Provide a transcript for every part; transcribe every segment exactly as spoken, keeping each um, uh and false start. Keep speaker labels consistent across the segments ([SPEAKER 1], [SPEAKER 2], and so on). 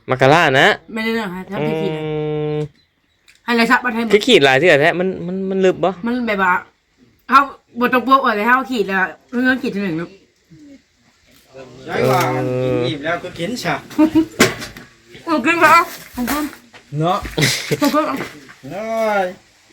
[SPEAKER 1] มักกะลานะ
[SPEAKER 2] ไม่ได้เรื่องฮะทำที่ขีดให้ไรซับมาให้หมด
[SPEAKER 1] ขีดหลายเทื่อแท้มันมันมันลึกบ่
[SPEAKER 2] มันแบบว่าเขาบทตรงปุ๊บอะไรเขาขีดแล้วเรื่องขีดที่หนึ่งลูก
[SPEAKER 3] ใช่ว่ากินอิ่มแล้วก็กินฉะ
[SPEAKER 2] โอ้กินแล้วของคุณ
[SPEAKER 3] เนาะ
[SPEAKER 2] ของคุณ
[SPEAKER 3] เอ้ย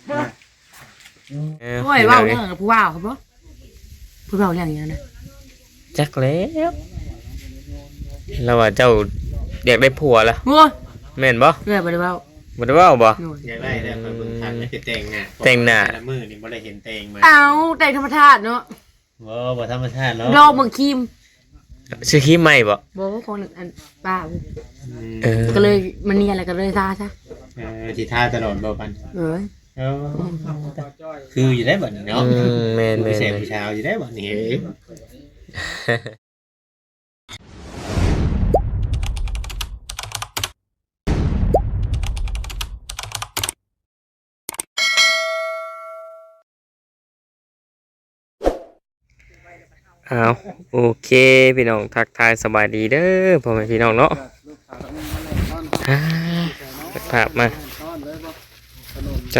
[SPEAKER 2] โอ้ยว้าวเรื่องผู้ว้าวครับพ่อผู้ว้าวเรื่องอย่างนี้นะ
[SPEAKER 1] จักแล้วเราว่าเจ้าอยากได้ผัวล่ะ
[SPEAKER 2] โอ้ย
[SPEAKER 1] แม่นบ่
[SPEAKER 2] เรื่องบ่ได้ว้าว
[SPEAKER 1] บ่ได้ว้าวบ่
[SPEAKER 3] อยากได้แต่คนเบิ่งทันไม่คือแต่งหน้า
[SPEAKER 1] แต่งหน้า
[SPEAKER 3] แต่มือนี่บ่ได้เห็นแต่งมา
[SPEAKER 2] เอาแต่งธรรมชาติเนาะ
[SPEAKER 3] บ่บ่ธรรมชาติเนาะ
[SPEAKER 2] รอเมืองคิม
[SPEAKER 1] ซื้อครีมใหม่บ่
[SPEAKER 2] บ่ของอันป้าเออก็เลยมันนี่อะไรก็เลยซาซะ
[SPEAKER 3] เออสิทาตลอดบ่ปัน
[SPEAKER 2] เออ
[SPEAKER 3] เออคืออยู่ได้บัดนี้เนาะ
[SPEAKER 1] อืมแม่นๆ
[SPEAKER 3] ผู้ชายอยู่ได้บัดนี้
[SPEAKER 1] อ้าวโอเคพี่น้องทักทายสบายดีเด้อพ่อแม่พี่น้องเนาะอ่าภาพมาใจ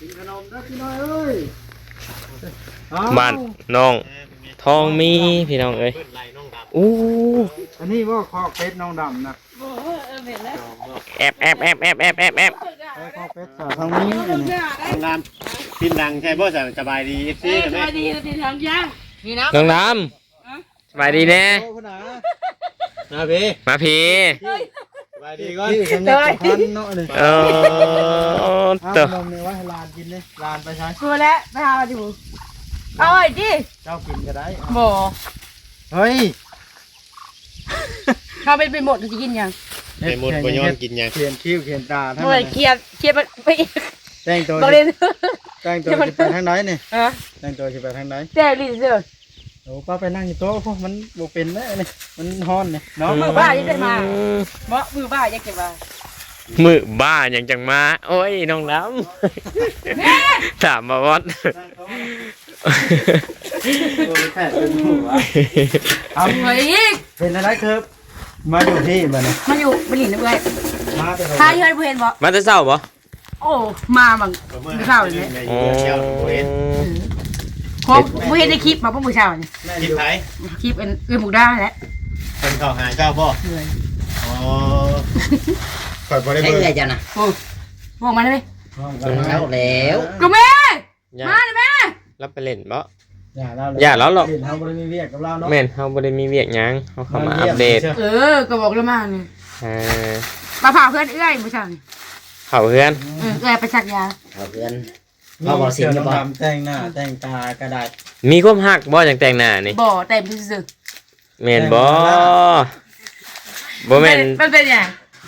[SPEAKER 1] บ้านน้องทองมีพี่น้องเอ้ยอู้
[SPEAKER 3] อันนี้ว่าคอกเป็ดน้องดำนะ
[SPEAKER 1] แอบแอบแอบแอบแอบแอบแอบ
[SPEAKER 3] คอกเป็ดสาวทางนี้น้องดำพินดังใช่ป่ะสบายดีเอฟซี
[SPEAKER 2] สบายดีทีทางยา
[SPEAKER 1] น้องดำสบายดีแน่
[SPEAKER 3] มาพี่
[SPEAKER 1] มาพี่
[SPEAKER 3] สบายดีก่อนสบายดีเนาะเลย
[SPEAKER 1] เออ
[SPEAKER 3] เติมเนี่ยว่าให้ลานกินเลยลานไปใช้
[SPEAKER 2] ชัวร์แล้วไปหาดิบุเอาไอ้ดิ
[SPEAKER 3] เจ้ากินก็ได้
[SPEAKER 2] บ่
[SPEAKER 3] เฮ้ย
[SPEAKER 2] เขาเป็นไปหมดจะกินยัง
[SPEAKER 3] ไปหมดไปย้อนกินยังเขียนคิ้วเขียนตา
[SPEAKER 2] ทั้งนั้นเขียนเขียนไป
[SPEAKER 3] แต่งตัวแต่งตัวจะไปทางไหนเนี่ยแต่งตัวจะไปทางไหน
[SPEAKER 2] แต่ลิ้นเสือ
[SPEAKER 3] โอ้ป้าไปนั่งอยู่โต๊ะพวกมันโบเป็นนะนี่มันฮ้อนเนี่ย
[SPEAKER 2] เนาะมือบ้ายังได้มาเมาะมือบ้ายังเก็บมา
[SPEAKER 1] มือบ้ายังจังมาโอ้ยน้องน้ำถามมาวัด
[SPEAKER 2] เอาไว้อีก
[SPEAKER 3] เป็นอะไรครับมาอยู่ที่มัน
[SPEAKER 2] มาอยู่บริณด้วยมาทายเฮ้ยเห็นบ่
[SPEAKER 1] มาจะเศร้าบ่
[SPEAKER 2] โอ้มาบังเศร้าเลย
[SPEAKER 1] โอ้
[SPEAKER 2] พอเห็นในคลิปมาพวกมือเช้านี่
[SPEAKER 3] คลิปไหน
[SPEAKER 2] คลิปเป็นเอื้อหมูด้าแหละ
[SPEAKER 3] เป็นข่าวหาเจ้าบ่
[SPEAKER 2] เลย
[SPEAKER 3] อ๋อคอยพอได้เบอร์
[SPEAKER 4] ใช่จ้ะนะ
[SPEAKER 2] โอ้มองมาได้ไหม
[SPEAKER 4] เช้าแล้ว
[SPEAKER 2] กูแม่มาเลยแม่
[SPEAKER 1] รับไปเล่นบ่
[SPEAKER 3] อย่าเรา
[SPEAKER 1] อย่าแล้วหรอก
[SPEAKER 3] เฮาบ่ได้มีเวียกกับเราเนาะ
[SPEAKER 1] แม่นเฮาบ่ได้มีเวียกหยังเฮาเข้ามาอัปเดต
[SPEAKER 2] เออก็บอกแล้วมานี่
[SPEAKER 1] เออ
[SPEAKER 2] มาผ่าเพื่อนเอื้อยมือเช้านี่
[SPEAKER 1] เผาเพื่อน
[SPEAKER 2] เออเอื้อยไปสักยา
[SPEAKER 4] เผาเพื่อนเอาบ่สิงบ่
[SPEAKER 3] แต่งหน้าแต่งตากระดาษ
[SPEAKER 1] มีความฮักบ่จังแต่งหน้านี่
[SPEAKER 2] บ่แต่งซื่อ
[SPEAKER 1] แม่นบ่บ่แม่น
[SPEAKER 2] มันเป็นหยัง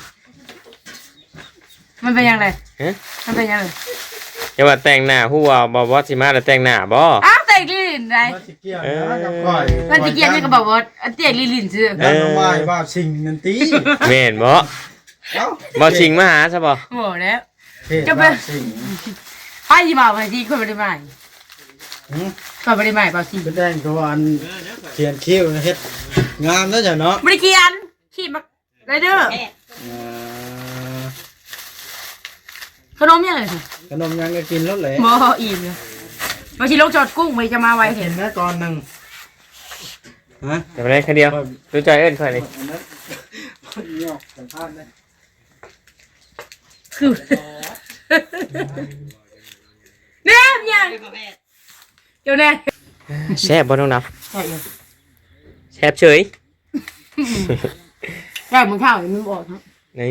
[SPEAKER 2] มันเป็นยังไงฮะมันเป็นยังไง
[SPEAKER 1] อย่าว่าแต่งหน้าฮู้ว่าบ่บ่สิมาแล้วแต่งหน้าบ่
[SPEAKER 2] อ้าวแต่งลิ้นได้
[SPEAKER 3] มันสิเกี่ยวนะกับก้อย
[SPEAKER 2] มันสิเกี่ยวนี่ก็บอกว่าแต่งลิ้นซื่อ
[SPEAKER 3] แล้วน้องว่าว่าสิ่งนั่นติ
[SPEAKER 1] แม่นบ่เอ้าบ่สิงมาหาซะบ่
[SPEAKER 2] บ่แล้วจะเป็นไผสิมาไผสิคนบ่ได้มาหือคนบ่ได้มาบ่สิ
[SPEAKER 3] แต่งตัวอันเขียนคิ้วเฮ็ดงามแล้วจ้ะเนาะ
[SPEAKER 2] บ่ได้เขียนขี้มักไรเด้อขนมยังไง
[SPEAKER 3] ขนมยังก็กินแล้วแหละ
[SPEAKER 2] บ่อิ่มเลยมาชิลงจอดกุ้งไปจะมาไว
[SPEAKER 3] เห็นนะตอนหนึ่ง
[SPEAKER 1] ฮะจะไปได้แค่เดียวดูใจเอิ้นค่อยนี่
[SPEAKER 2] คือเนี่ยยังเดี๋ยวแน่
[SPEAKER 1] แซ่บบ่น้องนับแซ่บเฉย
[SPEAKER 2] ได้มึงข้าวมึงบอกครับ
[SPEAKER 1] นี่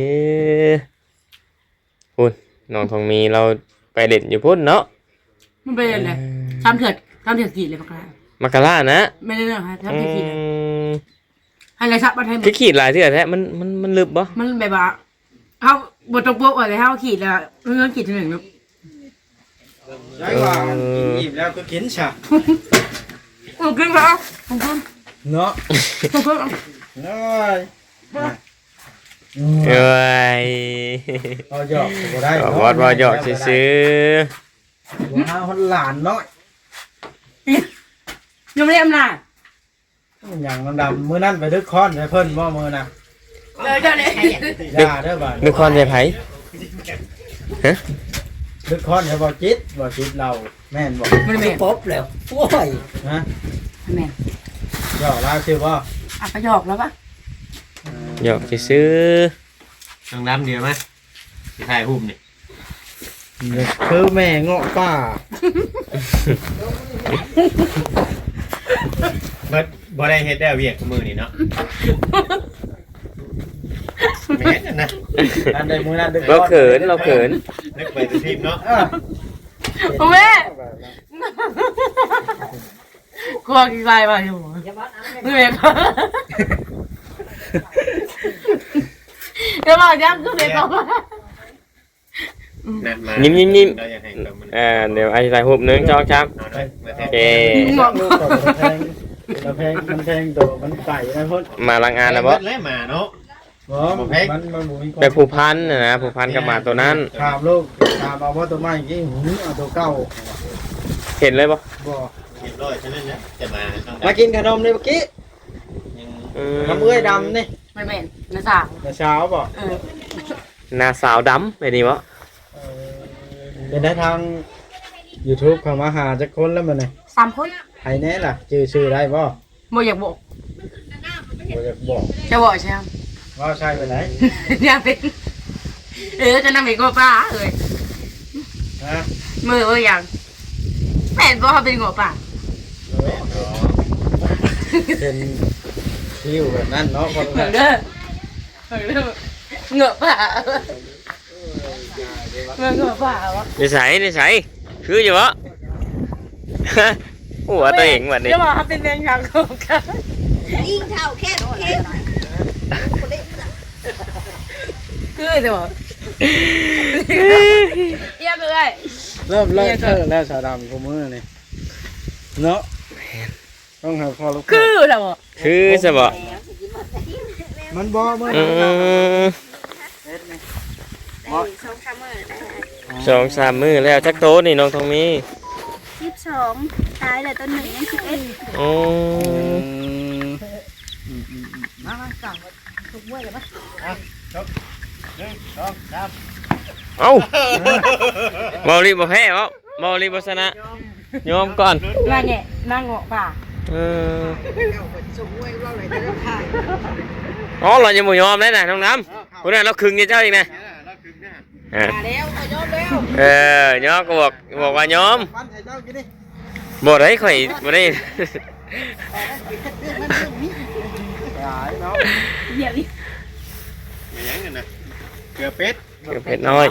[SPEAKER 1] คุณน้องทองมีเราไปเล่นอยู่พุ่นเนาะ
[SPEAKER 2] มันเป็นอะไรทำเถื่อนทำเถื่อนกี่เลยปะครับ
[SPEAKER 1] มักกะลานะ
[SPEAKER 2] ไม่ได้เรื่องฮะทำเถื่อนกี่เลยให้ไรซับมาให้หมด
[SPEAKER 1] ขีดหลายเถื่อนแท้มันมันมันลึกบ่
[SPEAKER 2] มันแบบว่าเขาบทตรงปุ๊บอะไรเขาขีดแล้วเรื่องขีดที่หนึ่งลูก
[SPEAKER 3] ใช่ว่ากินอิ่มแล้วก็กินฉะ
[SPEAKER 2] โอ้กินแล้วผมกิน
[SPEAKER 3] เนาะ
[SPEAKER 2] ผมกิน
[SPEAKER 3] เอ้ย
[SPEAKER 1] เอ้ย
[SPEAKER 3] พอหยอกก็ได้
[SPEAKER 1] พอพอหยอกซื้อ
[SPEAKER 3] ว้าวหลานน้อย
[SPEAKER 2] ยังไม่ได้อำนาจ
[SPEAKER 3] อย่างมันดำมือนั่นไปดึกค้อนไปเพิ่นว่ามือน่ะ
[SPEAKER 2] เลยเจ้าเนี่ย
[SPEAKER 3] อย่าเด้อบ่
[SPEAKER 1] นึกคอนใจไผฮะ
[SPEAKER 3] นึกคอนให้บ่จิตบ่จิตเราแม่นบ่
[SPEAKER 2] มัน
[SPEAKER 4] ไม่
[SPEAKER 2] แม่น
[SPEAKER 4] ป๊บแล้วโอ้ย
[SPEAKER 3] ฮะ
[SPEAKER 2] แม่น
[SPEAKER 3] ย่อลาวชื่อบ่
[SPEAKER 2] อ่ะก็หยอกแล้วปะ
[SPEAKER 1] หยอกซื้อ
[SPEAKER 3] น้องดำเดียวมั้ยสิถ่ายรูปนี่
[SPEAKER 5] คือแม่เงาะป่า
[SPEAKER 3] บ่บ่ได้เฮ็ดได้เวียกกับมือนี่เนาะแม่นนะ
[SPEAKER 5] อันใดมือนั้นดึก
[SPEAKER 1] เราเขินเราเขิน
[SPEAKER 3] นึกไปสิทีมเนาะ
[SPEAKER 2] โอ้แม่กลัวกี่ลายมาอยู่ไม่เบกเดี๋ยวบอกย้ำคือเบกบอกว่า
[SPEAKER 3] นั่นมา
[SPEAKER 1] ยิ้มยิ้มยิ้ม
[SPEAKER 3] เราอยากให้เรามัน
[SPEAKER 1] อ่าเดี๋ยวไอ้ใส่หุบหนึ่งจองช้
[SPEAKER 3] เอาหน่อยมาแท
[SPEAKER 1] ำโอน เค
[SPEAKER 5] ลูกกับมันแพงมันแพงมันแพงตัวมันไก่นะพ่น
[SPEAKER 1] มาลังงานนะบ่
[SPEAKER 3] เบิดเลยหมาเนาะ
[SPEAKER 5] บ่มันมันบุมี
[SPEAKER 1] ไปผูกพันนะนะผูกพันกับหมาตัวนั้น
[SPEAKER 5] ถามลูกถามเอาว่าตัวใหม่กี่หูเอาตัวเก่า
[SPEAKER 1] เห็นเลยบ่
[SPEAKER 5] บ่
[SPEAKER 3] เรียบร้อยฉะนั้นนะจะมาต้อง
[SPEAKER 5] มากินขนมเลยเมื่อกี้
[SPEAKER 3] ยัง
[SPEAKER 1] อืม
[SPEAKER 5] น้ำเอื้อยดำนี่
[SPEAKER 2] ไม่แม่นนะสาว
[SPEAKER 5] แต่เช้าบ่
[SPEAKER 2] เออ
[SPEAKER 1] หน้าสาวดำไปนี่บ่
[SPEAKER 5] เป็นได้ทาง YouTube เข้ามาหาจักคนแล้วมันนี่
[SPEAKER 2] สามคน
[SPEAKER 5] ใครแน่ล่ะชื่อชื่อได้บ่
[SPEAKER 2] โมอยากบอก
[SPEAKER 5] บ่อยากบอก
[SPEAKER 2] จะบอกใช่ไหม
[SPEAKER 5] ว่าใช่ไปไหน
[SPEAKER 2] อยากเป็นเออจะนำไปก็ป้าเลย
[SPEAKER 5] ฮะ
[SPEAKER 2] มือเอออย่างแม่นบอกเขาเป็นหัวป่า
[SPEAKER 5] เป็นคิวแบบนั้นเนาะคน
[SPEAKER 2] เหมื
[SPEAKER 5] ละ
[SPEAKER 2] อนเด้อเหมือนเด้อเหงือกป่าเมื่อเหงือกป่าวะ
[SPEAKER 1] นิสัยนิสัยคืออยู่บ่ หัวตัวเองวันนี้
[SPEAKER 2] จะบอกเขาเป็นแมงยังของกัน
[SPEAKER 6] ยิ่งเท่าแค่แค่
[SPEAKER 2] คือจะบอกเยี่ยมเลย
[SPEAKER 5] เริ่มเลิกเลิกแล้วสาวดำกูมือนี่เนาะต้องหาพอลูก
[SPEAKER 2] คือจะบอก
[SPEAKER 1] คือจะบ่
[SPEAKER 5] มันบ่มือ
[SPEAKER 1] อืม
[SPEAKER 6] สองสามมื้อได้
[SPEAKER 1] สองสามมือแล้วจักโตนี่น้องทองมี
[SPEAKER 6] สิบสองตายเลยต้นหนึ่งยังสิบเอ็ด
[SPEAKER 1] โอ้
[SPEAKER 2] มามาสั่งทุกมื้อเลยปะ
[SPEAKER 3] หนึ่งสองสาม
[SPEAKER 1] เอ้าบอลีบ่แพ้บ่บอลีบ่ชนะยอมก่อน
[SPEAKER 2] นั่งแง่นั่งเงาะป่า
[SPEAKER 1] เอออ๋อเรายังบ่ยอมเลยนะน้องน้ำคนนั้นเราคึงกับเจ้าอีกนะ
[SPEAKER 3] แล้วคือเนี่ย
[SPEAKER 1] อ่า
[SPEAKER 2] แล้วก็ยอมแล้ว
[SPEAKER 1] เออยอมก็บอกบอกว่ายอม
[SPEAKER 5] ปั้นให้เจ้ากินดิ
[SPEAKER 1] บ่ได้ข่อยบ่ได้
[SPEAKER 5] หายเนาะ
[SPEAKER 2] เหยียบดิ
[SPEAKER 3] ไม่ยังกันนะเกลือเป็ด
[SPEAKER 1] เกือบเผ็ดน้อย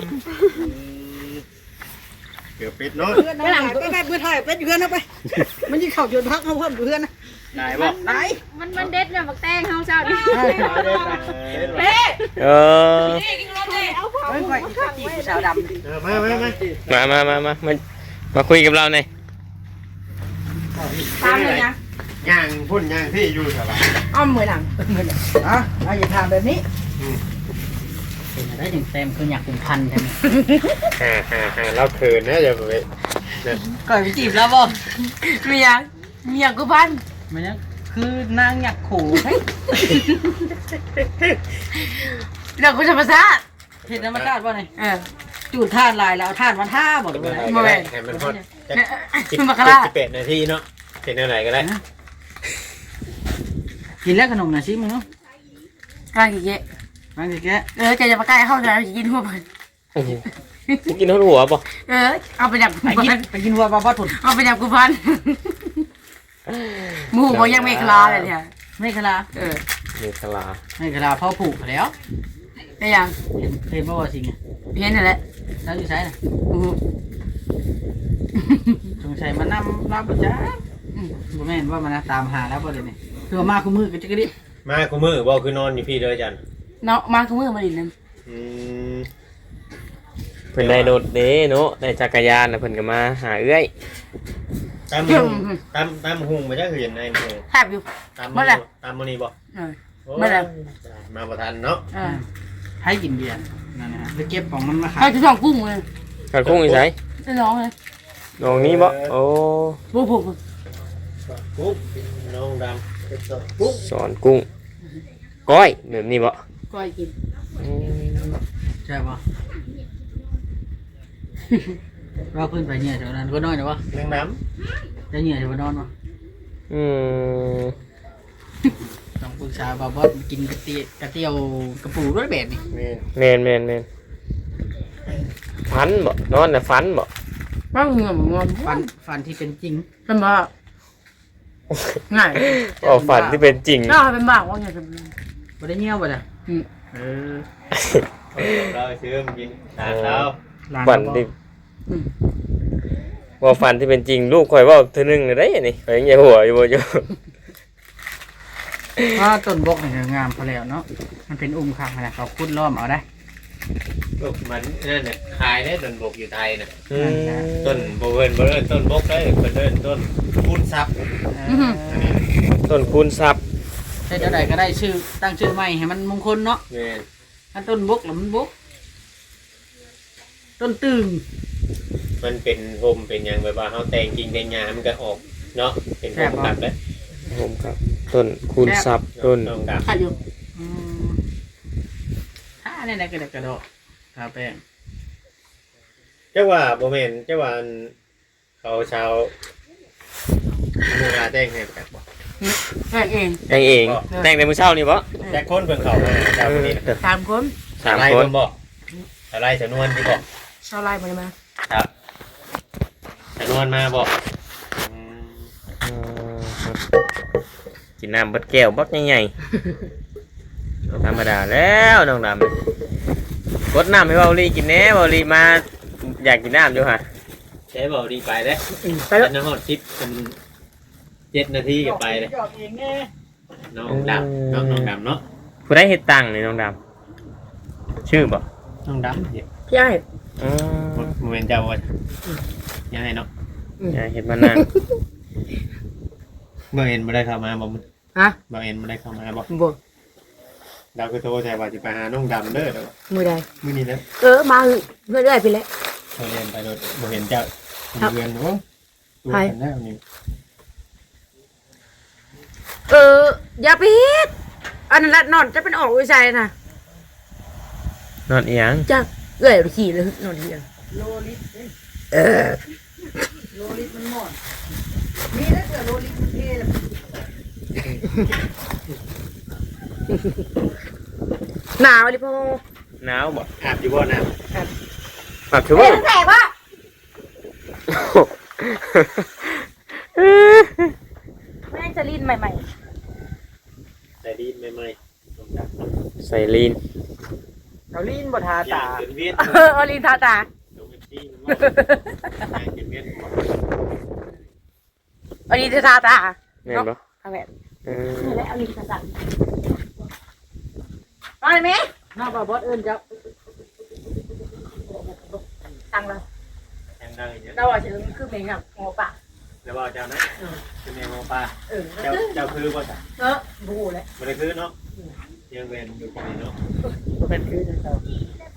[SPEAKER 3] เกลือเป็ดเนาะ
[SPEAKER 6] ไปหลังไปไปเพื่อถ่ายเป็นเพื่อนเอาไป มันยิ่งเข่าจนพักเขาเพิ่มเพื่อนนะ
[SPEAKER 3] ได้บ่
[SPEAKER 6] ไหนมันมันเด็ดเนี่ยบักแตงเขาเจ้าดิ
[SPEAKER 2] เป๊ะ
[SPEAKER 1] เออ
[SPEAKER 2] นี่กินรถเลย
[SPEAKER 6] เอาเผาไว้ข้างไว้สาวดำ
[SPEAKER 3] เออมามามา
[SPEAKER 1] มามามามามามาคุยกับเราหน่อย
[SPEAKER 2] ตามเลยนะ
[SPEAKER 3] ย่างพุ่นย่างที่อยู่สบาย
[SPEAKER 2] อ้อมมือหลังมือหลัง
[SPEAKER 5] อ่ะอ่ะอย่าถามแบบนี้
[SPEAKER 4] เป็นอะไรถึงแซมคืออยากเป็นพันใช่ไหม
[SPEAKER 3] ฮ่าฮ่าฮ่าเราเขินนะอย่าไป
[SPEAKER 4] ก่อนไปจีบแล้วบ่
[SPEAKER 2] เมียเมียกูพัน
[SPEAKER 4] มันยังคือนางอยากขู่ให้
[SPEAKER 2] เดี๋ยวกูจะมาซ่า
[SPEAKER 4] เห็นธรรมชาติบ่เนี่ย
[SPEAKER 2] เออ
[SPEAKER 4] จูดท่านลายแล้วท่านมาท่าบ่เลย
[SPEAKER 2] มาแม่
[SPEAKER 3] ให้มันฮอต
[SPEAKER 2] เนี่ยมาคารา
[SPEAKER 3] สิบแปดนาทีเนาะเป็นอะไรก็ได้
[SPEAKER 4] กินแล้วขนมหน่อยสิมึงเนาะ
[SPEAKER 2] กลางกี่เยะ
[SPEAKER 4] บางทีแก
[SPEAKER 2] เออแกจะมาใกล้เข้าใจกินหัวมัน
[SPEAKER 1] โอ้โหกินทั้งหัวป่ะ
[SPEAKER 2] เออเอาไปดับกู
[SPEAKER 4] ไปกิน
[SPEAKER 2] พัน
[SPEAKER 4] ไปกินวัวบ้าบ้าถุน
[SPEAKER 2] เอาไปดับกูพันหมูบอกยังไม่คลาเลยเนี่ย
[SPEAKER 4] ไม่คลา
[SPEAKER 2] เออ
[SPEAKER 1] มีคลา
[SPEAKER 4] ไม่คลาพ่อผูกแล้ว
[SPEAKER 2] ได้ยัง
[SPEAKER 4] เห็นเห็นบ่ว่าสิงห์
[SPEAKER 2] เห็นนั่นแหละ
[SPEAKER 4] แล้วอยู่ใช้น่ะ
[SPEAKER 2] อู้หู
[SPEAKER 4] สงสัยมานำรับบ่จ้าบ่แม่นว่ามันตามหาแล้วบ่เดี๋ยวนี้คือมาคู่มือกันจักดิ
[SPEAKER 3] มากูมือบ่คือนอนอยู่พี่เลยจัน
[SPEAKER 2] เนาะมาคือมือมาดินั่น
[SPEAKER 3] อืม
[SPEAKER 1] เพิ่นได้โดดเด้เนาะได้จักรยานน่ะเพิ่นก็มาหาเอื้อย
[SPEAKER 3] ตามหุงตามตามหุงมาจ้าคือเห็นในนี่
[SPEAKER 2] แทบอยู่
[SPEAKER 3] ตาม
[SPEAKER 2] เมื่อไหร่
[SPEAKER 3] ตามมันนี่บ่
[SPEAKER 2] เออ
[SPEAKER 3] โอ้ย
[SPEAKER 2] เมื่อไหร่
[SPEAKER 3] มาประทันเนาะ
[SPEAKER 2] เออ
[SPEAKER 4] ให้กินเบียร์นั่นนะฮะไปเก็บของมันมาขา
[SPEAKER 2] ให้
[SPEAKER 4] ย
[SPEAKER 2] ทุกสองกุ้งเลย
[SPEAKER 1] ขัดคุ้งอีไส
[SPEAKER 2] ได้ร้องเลย
[SPEAKER 1] น้องนี้บ่โอ้
[SPEAKER 2] บูบูบู
[SPEAKER 3] ปุ๊บน้องดำปุ๊บ
[SPEAKER 1] สอนกุ้งก้อยแบบนี้บ่
[SPEAKER 2] กปล่อยกิน
[SPEAKER 1] อืม
[SPEAKER 4] ใช่ปะเราขึ้นไปเนี่ยแถวนั้นก็น้อยนะวะ
[SPEAKER 3] เรื่องน้
[SPEAKER 4] จะเนี่ยแถวนอนวะ
[SPEAKER 1] อืม
[SPEAKER 4] ต้องปรึกษาบ่าวบอสกินกระเตียกระเตียวกระปูด้วยแบบนี้
[SPEAKER 3] ำนี่
[SPEAKER 1] แมนแมนแมนฟันบ่นอนน่ะฟันบ่
[SPEAKER 2] บ้างเงื่อนงอน
[SPEAKER 4] ฟันฟันที่เป็นจริง
[SPEAKER 2] เป็นบ้าง่าย
[SPEAKER 1] อ๋อฝันที่เป็นจริง
[SPEAKER 2] น่าเป็นบ้าว่าไงเป็น
[SPEAKER 4] บ่ได้เงี้ยวบ่จ้ะ
[SPEAKER 2] อืม
[SPEAKER 4] เออ
[SPEAKER 3] เราซื้อมากินทานแล้ว
[SPEAKER 4] หลาน
[SPEAKER 1] ฝัน
[SPEAKER 4] เรา
[SPEAKER 1] ที่
[SPEAKER 2] อืม
[SPEAKER 1] ว่าฝันที่เป็นจริงลูกข่อยเว่าเทื่อนึงเลยได้อันนี่ข่อยยังอย่าหัวอยู่บ่อยู่
[SPEAKER 4] ว่าต้นบกนี่ก็งามพอแล้วเนาะมันเป็นอุ้มข้างนะเขาคุดล้อมเอาได้
[SPEAKER 3] ลูกมันนั่นน่ะขายได้ต้นบกอยู่ไทยน่ะ
[SPEAKER 1] อืม
[SPEAKER 3] ต้นบ่เอิ้นบ่เอิ้นต้นบกได้เพิ่นเอิ้นต้นคูณทรัพย์
[SPEAKER 4] เออ
[SPEAKER 1] ต้นคูณทรัพย์
[SPEAKER 4] ใช่เจ้าใดก็ได้ชื่อตั้งชื่อใหม่ให้มันมงคลเนาะ
[SPEAKER 3] แม่น
[SPEAKER 4] ถ้าต้นบกแล้วมันบกต้นตึง
[SPEAKER 3] มันเป็นโฮมเป็นหยังแบบว่าเฮาแต่งจริงแต่งงานมันก็ออกเนาะเป็นโฮมกลับเด้อ
[SPEAKER 1] ผมครับต้นคูณทรัพย์ต้น
[SPEAKER 3] น้องดำ
[SPEAKER 2] ขัดอยู่
[SPEAKER 4] อืมถ้าเนี่ยนะกระดกกระโดดทาแป้ง
[SPEAKER 3] เจ้าว่าบ่แม่นเจ้าว่าอันเขาชาวเมืองอาแต่งให้แบบบ่
[SPEAKER 2] แค่เอง
[SPEAKER 1] แต่งเองแต่งในมื้อเช้านี่บ่
[SPEAKER 3] แต่คนเพิ่นเขามาเจ้าคนนี้น่ะ
[SPEAKER 2] สามคน
[SPEAKER 1] สาม
[SPEAKER 3] อะไร
[SPEAKER 1] คน
[SPEAKER 3] เพิ่นบ่อะไรสนวนที่บ่
[SPEAKER 2] ชาวไร่มาเลยมา
[SPEAKER 3] ครับสนวนมาบ่อืม
[SPEAKER 1] อืมกินน้ำเบัดแก้วบักใหญ่ๆธรรมดาแล้วน้องดำกดน้ำให้เบาลีกินแหน่เบาลีมาอยากกินน้ำอยู่ฮะ
[SPEAKER 3] ใช้บ่ดีไปเด้อ
[SPEAKER 2] ไปแล้ว
[SPEAKER 3] น้ำฮอดสิบเป็นเจ็ดนาทีก็ไปเลย
[SPEAKER 6] หยอกเองแน่
[SPEAKER 3] น้องดำน้องน้องดำเนาะ
[SPEAKER 1] ผู้ได้เฮ็ดตังค์นี่น้องดำชื่อบ่
[SPEAKER 3] น้องดำเดี๋ยว
[SPEAKER 2] พี่ไอ้
[SPEAKER 1] อืม
[SPEAKER 3] โมเมนต์เจ้าว่ายังไงเนาะ
[SPEAKER 1] อย่าเฮ็ดมานาน
[SPEAKER 3] บ่เอ็นบ่ได้เข้ามาบ่
[SPEAKER 2] ฮะ
[SPEAKER 3] บ่เอ็นบ่ได้เข้ามาบ่
[SPEAKER 2] บ่
[SPEAKER 3] ดาวคือโทรใช่ว่าสิไปหาน้องดำเด้อเด้อ
[SPEAKER 2] มือใด
[SPEAKER 3] มื้อนี้นะ
[SPEAKER 2] เออมาเรื่อยๆไปแล้ว
[SPEAKER 3] เขาเรียนไปโดยบ่เห็นเจ้าอยู่เรือนโอ้ตัวกันแล้วนี่
[SPEAKER 2] เอออย่าไปเฮ็ดอันนั้นละนอนจะเป็นออกวิจัยนะ
[SPEAKER 1] นอนอีหยัง
[SPEAKER 2] จ้าเอื้อยไปขี่เลยนอนเฮียง
[SPEAKER 6] โลลิตเด้
[SPEAKER 2] เออ
[SPEAKER 6] โลลิตมันหมดมีแล้วเกิดโลลิตมันเท่แล้ว
[SPEAKER 2] หนาวดิพ่อ
[SPEAKER 1] หนาวบ่
[SPEAKER 3] อาบอยู่บ่น้
[SPEAKER 1] ปรับชั่วโม
[SPEAKER 2] เฮ้ย
[SPEAKER 1] ง
[SPEAKER 2] แปลกวะแม่งจะลิ้นใหม่
[SPEAKER 3] ำใส่ดีใหม่ๆน้องดำ
[SPEAKER 1] ใส่ลีน
[SPEAKER 4] เราลีนบ่ทา
[SPEAKER 3] ตา
[SPEAKER 4] ตา
[SPEAKER 3] เป็นเวียน
[SPEAKER 2] ๆเออเอาลิ้นทาตา
[SPEAKER 3] ลงที่มันว่าเป็นเวียนหัว
[SPEAKER 2] เอาลิ้นทาตา
[SPEAKER 1] แม่นบ่
[SPEAKER 2] เอาแบบ
[SPEAKER 1] เออ
[SPEAKER 2] นี่แหละเอาลิ้นทาตามาเลยไหม
[SPEAKER 4] หน้าบ่าวบอสเอิ้นเจ้า
[SPEAKER 2] ตังเลย
[SPEAKER 3] แทงได้อย่างเงี้ย
[SPEAKER 2] เราอ่ะจะคือเพลงแบบหัวปาก
[SPEAKER 3] แล้วว่าเจ้านะเป็นแมวป้า
[SPEAKER 2] เออ
[SPEAKER 3] เจ้าเจ้าคือบ่จ้ะ
[SPEAKER 2] เออบูเลย
[SPEAKER 3] บ่ได้คือเนาะยังเวนอยู่คนนี้เนาะ
[SPEAKER 4] เป็นคือเจ้า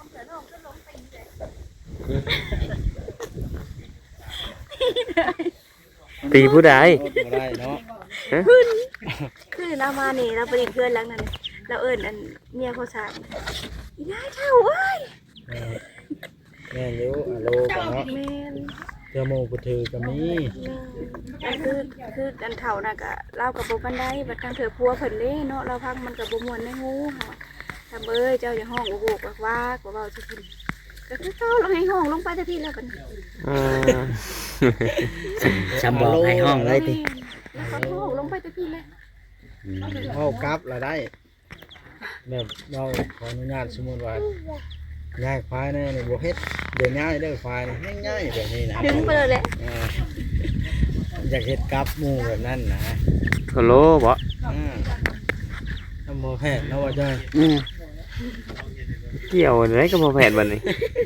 [SPEAKER 1] ตีผู้ใด
[SPEAKER 5] บ่ได้เนาะ
[SPEAKER 7] คือเรามานี่เราไปเพื่อนหลังนั้นเราเอิ้นอันเมียเขาสามอีนายเท่าเอ้ย
[SPEAKER 5] แม่นอยู่อะโลกันเนาะ
[SPEAKER 7] แม่น
[SPEAKER 5] เจ้าโมกุถือก็มี
[SPEAKER 7] แม่นคือคืออันเท่าน่ะก็เล่ากับบ่ปานใดบัดทางเธอพัวเพิ่นเด้เนาะเราพังมันก็บ่ม่วนในหูเฮาทำเอ้ยเจ้าอย่าห้องโอ้โหกว่ากว่าเว้าสิเพิ่นก็คือเจ้าลงให้ห้องลงไปแต่พี่แล้วบัดนี้
[SPEAKER 1] อืม
[SPEAKER 4] จำบอกให้ห้องเลยติ
[SPEAKER 7] แล้วก็ห้องลงไปแต่พี่แล้ว
[SPEAKER 5] เว้ากลับละได้แบบเราขออนุญาตสมมุติว่าย้ายควายเนี่ยนี่บ่เฮ็ดเดี๋ยวย้ายเด้อควายนี่ง่ายๆแบบนี้นะ
[SPEAKER 7] ดึงไปเลยแหละ
[SPEAKER 5] อ่าอยากเฮ็ดกลับหมู่แบบนั้นนะ
[SPEAKER 1] โทโลบ่
[SPEAKER 5] อ่าทำบ่แพ้แล้วว่าจ้อย
[SPEAKER 4] อืม
[SPEAKER 1] เกี่ยวอะไรกับพ่อแพทย์บัดนี้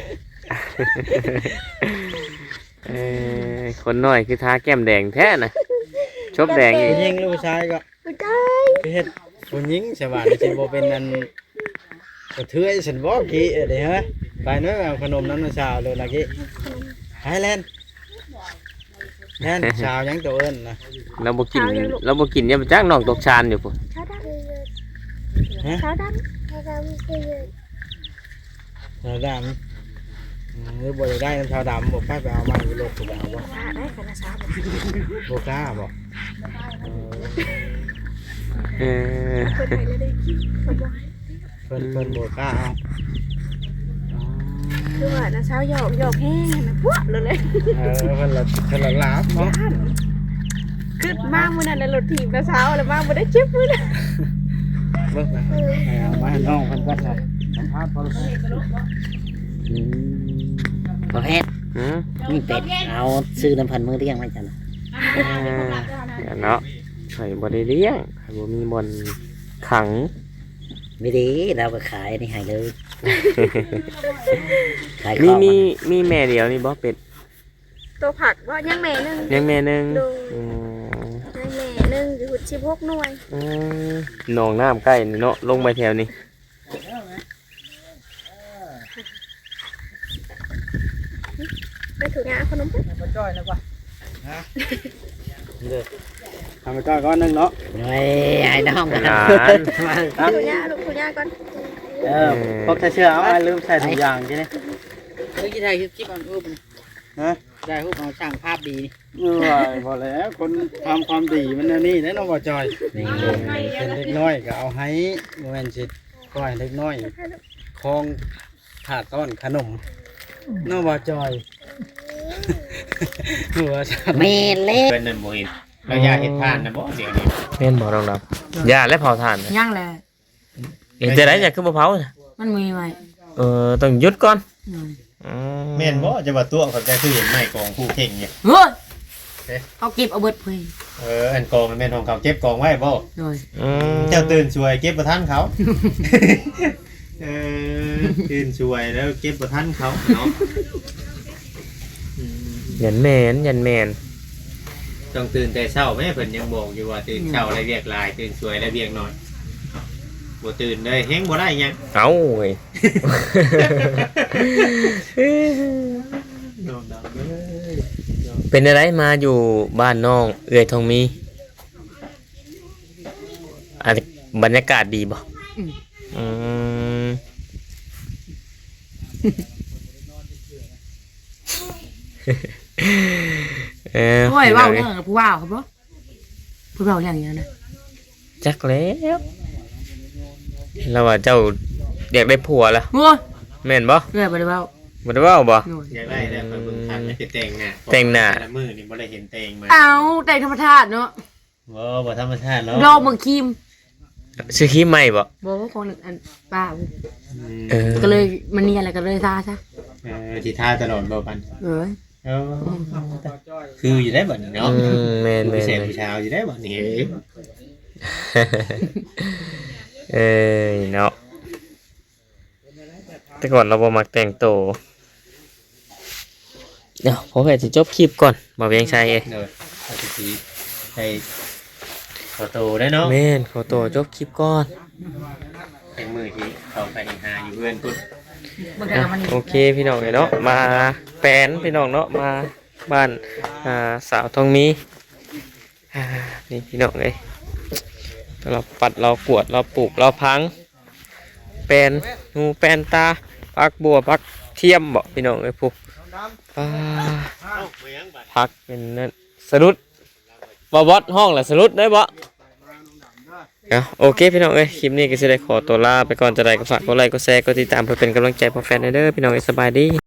[SPEAKER 1] เออคนน้อยคือทาแก้มแดงแท้น่ะชบแดงอี
[SPEAKER 5] ผู้
[SPEAKER 1] ก
[SPEAKER 5] หญิงหรือผู้ชายก็
[SPEAKER 7] บ่ได้
[SPEAKER 5] ไปเฮ็ดผู้หญิงใช่ป่ะนี่สิบ่เป็นอันกระเทือยฉันบ่กี้เอ้ยเด้ฮะไปเน้อยเอาขนมน้ำน้ำชาวเลยล่ะกี้ไฮแลนด์แน่นชาวยังตัวเอิ้นนะ
[SPEAKER 1] เราบ่กินเราบ่กินเนี่ยมันจักน้องตกชานอยู่พุ่น
[SPEAKER 7] ชาวด
[SPEAKER 5] ฮะ
[SPEAKER 7] ำชาวด
[SPEAKER 5] ชาวดำหรือบ่ได้น้ำชาวดำบอกไปไปเอามาอยู่รถถูกเอาบ่
[SPEAKER 7] พาได้กันนะสาว
[SPEAKER 5] บ่กล้าบ่
[SPEAKER 1] เออ
[SPEAKER 7] เพิ่นให้เลยเด้เขาบอก
[SPEAKER 5] เพิ่นเพิ่นบ่กล้าเอา
[SPEAKER 7] คือว่านะสาวหยอกหยอกแห้งนะพวกเลยเลย
[SPEAKER 5] เออเพิ่นละเพิ่นละลาบเนาะ
[SPEAKER 7] ย่านคือมามื้อนั้นแล้วรถถีบนะสาวแล้วมาบ่ได้เจ็บมื้อนั้น
[SPEAKER 5] เบิ่งนะเอามาให้น้องเพิ่นก็ได้สัมภาษณ์พอแล้ว
[SPEAKER 8] ประเภท
[SPEAKER 1] หืม
[SPEAKER 8] นี่เป็ดเอาซื้อน้ำพันมือเรียงไว้จัน
[SPEAKER 1] เออเดี๋ยวเนาะไข่บ่ได้เลี้ยงไข่บ่มีบ่อนขัง
[SPEAKER 8] ไม่ดีเราก็ขายนี่ให้เลยขายข
[SPEAKER 1] มี
[SPEAKER 8] อง
[SPEAKER 1] มีมีแม่เดียวนี่บ่เป็ด
[SPEAKER 7] ตัวผักว่ายังแม่หนึง
[SPEAKER 1] เลี้ยงแม่หนึง
[SPEAKER 7] ดู
[SPEAKER 1] อืม
[SPEAKER 7] ยังแม่หนึงอยู่สิบหกหน่วย
[SPEAKER 1] อืมหนองน้ำใกล้นี่เนาะลงไปแถวนี้
[SPEAKER 7] ไปถูกงานขนมปุ๊บ
[SPEAKER 4] มาจ้อยนะกว่า
[SPEAKER 5] เด้อทำไปก่อนก้อนหนึงเนาะ
[SPEAKER 8] ไอ้ไอ้น้อง
[SPEAKER 1] ห
[SPEAKER 8] กัน
[SPEAKER 1] ลาน
[SPEAKER 7] ถูกงานลูกถูกงานก่อน
[SPEAKER 5] เออพกใส่เสื้อเอามาลืมใส่ถุงยางจินี่
[SPEAKER 4] เฮ้ยที่ไทยคลิปอันรูป
[SPEAKER 5] ฮะ
[SPEAKER 4] ได้รูปเอาช่างภาพดี
[SPEAKER 5] เออพอแล้วคนทำความดีมันอันนี่แน่นอนบ่จอย
[SPEAKER 8] นี่
[SPEAKER 5] เป็นเล็กน้อยก็เอาให้บ่แม่นสิก้อยเล็กน้อยคองถาดต้อนขนมน้องบ่จอยหัวฉัน
[SPEAKER 8] เมเล็ก
[SPEAKER 3] เพิ่นนั่นบ่เห็นเราอยากเฮ็ดทานนะบ่เดี๋ยวนี้
[SPEAKER 1] แม่นบ่น้องดำย่าและเผาถ่านน่ะ
[SPEAKER 2] ย่างแหละ
[SPEAKER 1] เห็นจะได้อยากขึ้นบ่เผาน่ะ
[SPEAKER 2] มันมีไหม
[SPEAKER 1] เออต้องหยุดก่อน
[SPEAKER 2] อืม
[SPEAKER 1] อื
[SPEAKER 3] แม่นบ่จะว่าตัวเขาใจคือเห็นไม้กองคู่เข่งเนี่ย
[SPEAKER 2] เฮ้ย
[SPEAKER 3] เอ๊ะ
[SPEAKER 2] เอาเก็บเอาเบิดเพื่อน
[SPEAKER 3] เอออันกองมันแม่นของเขาเก็บกองไว้บ่
[SPEAKER 2] โดย
[SPEAKER 1] อืม
[SPEAKER 3] เจ้าตื่นช่วยเก็บบ่ทันเขา เออตื่นช่วยแล้วเก็บบ่ทันเขาเนาะอืม
[SPEAKER 1] ยันแมนยันแมน
[SPEAKER 3] ต้องตื่นแต่เช้าแม่เพิ่นยังบอกอยู่ว่าตื่นเช้าแล้วเรียกหลายตื่นช่วยแล้วเรียกน้อยบ่ตื่นเลยแฮงบ่ได้หยัง
[SPEAKER 1] เอาเว้ย
[SPEAKER 3] โดนดำเลย
[SPEAKER 1] เป็นอะไรมาอยู่บ้านน้องเอื้อยทองมีอันบรรยากาศดีบ่อืม เออ
[SPEAKER 2] โอ้ยว่าวเรื่องกับผู้ว่าวครับบ่ผู้ว่าวอย่างเงี้ยนะ
[SPEAKER 1] จักแล้วแล้วว่าเจ้าอยากได้ผัวละ
[SPEAKER 2] โอ้ย
[SPEAKER 1] แม่นบ่
[SPEAKER 2] เรื่อยไปเลยว่าว
[SPEAKER 1] บ่ได้เว้าบ่
[SPEAKER 2] โดย
[SPEAKER 3] อยากได้แล้วไปเบิ่งทันแล้วสิแต่งหน้า
[SPEAKER 1] แต่งหน้า
[SPEAKER 3] ละมื้อนี่บ่ได้เห็นแต่งมา
[SPEAKER 2] เอาแต่ธรรมชาติเนาะ
[SPEAKER 3] บ่บ่ธรรมชาติเนาะ
[SPEAKER 2] รอเมืองคิม
[SPEAKER 1] ซื้อครีมใหม่บ่
[SPEAKER 2] บอกว่าคนอันป้า
[SPEAKER 1] เออ
[SPEAKER 2] ก็เลยมันนี่อะไรก็เลยซาซะ
[SPEAKER 3] เออสิทาตลอดบ่ปัน
[SPEAKER 2] เออ
[SPEAKER 3] เออคืออยู่ได้บัดนี้เนาะ
[SPEAKER 1] อืมแม่นแม่
[SPEAKER 3] ผู้
[SPEAKER 1] น
[SPEAKER 3] ชาย
[SPEAKER 1] แม่น
[SPEAKER 3] ผู้ชายอยู่ได้บัดนี้
[SPEAKER 1] เอ้ยเนาะแต่ก่อนเราบ่มักแต่งโตวเดี๋ยวผมก็จะจบคลิปก่อนมาเวียงชัยเอ้ย
[SPEAKER 3] เด้อเอาสิสิให้ขอโตได้เนาะ
[SPEAKER 1] แม่นขอตัวจบคลิปก่อน
[SPEAKER 3] เป็นมือที่เข้าไปหาอยู่เพื่อนพุ่น
[SPEAKER 2] มันก็
[SPEAKER 1] อ่ะ
[SPEAKER 2] มันนี่
[SPEAKER 1] โอเคพี่น้องเนาะมาแปลนพี่น้องเนาะมาบ้านอ่าสาวทองมีอ่านี่พี่น้องเอ้ยเราปัดเรากวดเราปลูกเราพังแปลนงูแปลนตาปักบัวปักเทียมบ่พี่น้องเอ้ยพวกอ่าพักเป็นนั่นสรุดบ่บอดห้องแหละสรุดได้บ่เอาโอเคพี่น้องเอ้ยคลิปนี้ก็จะได้ขอตัวลาไปก่อนจะได้ก็ฝากกดไลค์กดแชร์กดติดตามเพื่อเป็นกำลังใจพอแฟนเด้อพี่น้องเอ้ยสบายดี